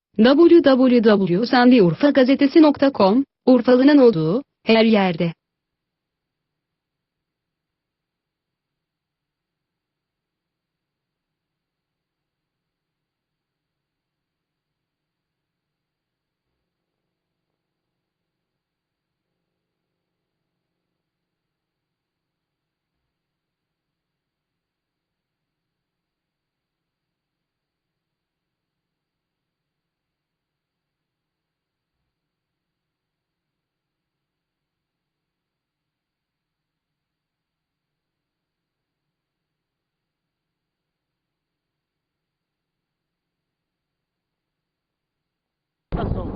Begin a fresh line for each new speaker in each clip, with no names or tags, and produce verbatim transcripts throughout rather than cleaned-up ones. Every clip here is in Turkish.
double-u double-u double-u nokta sendiurfagazetesi nokta com, Urfalı'nın olduğu, her yerde.
Nasıl oldu?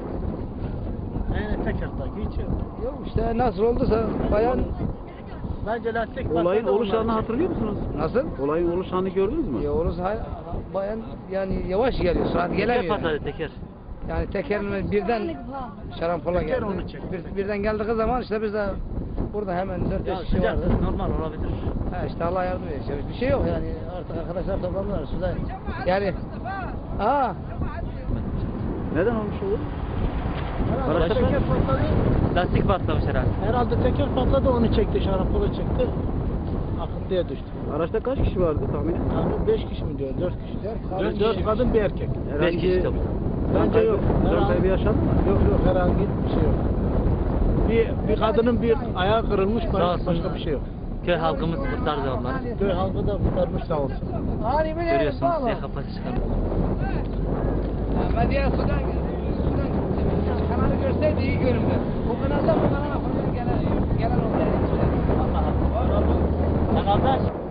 Yani tekertaki hiç yok.
Yok işte nasıl olduysa bayan
Bence lastik
Olayın
patladı,
oluş
onlar
anını
için.
hatırlıyor musunuz?
nasıl?
Olayın oluş anını gördünüz mü?
Ya orası hay- bayan yani yavaş geliyor saat
Teker
gelemiyor.
patladı teker.
Yani tekerin birden şarampola
Teker
geldi.
onu çekti.
Bir, birden geldiği zaman işte biz de burada hemen dört
Ya
beş kişi vardı.
sıcak normal olabilir.
Ha işte Allah yardım ediyor. Bir şey yok yani artık arkadaşlar toplandılar suda. Yani aa
Neden olmuş olur?
Herhalde
Araçta
teker patladı.
Lastik patlamış herhalde.
Herhalde teker patladı, onu çekti, şarampolu çekti. Akıntıya düştü.
Araçta kaç kişi vardı tahminen?
Yani beş kişi mi diyor, dört kişi.
Dört
Dört,
kişi.
dört kadın bir erkek.
Beş kişi tabii.
Bence yok.
Can
Herhangi-
kaybı yaşandı mı?
Yok yok, herhangi bir şey yok. Bir, bir kadının bir ayağı kırılmış,
Sağ
başka,
olsun.
başka bir şey yok.
Köy halkımız kurtardı onları.
Köy halkı da kurtarmış sağ olsun.
Görüyorsunuz diye kafası çıkarmış.
ben diğer sudan sudan kanalı görseydi iyi göründü. Bu kanalda bu kanala fırlayan gelen gelen oldu.
Allah Allah. Kanalda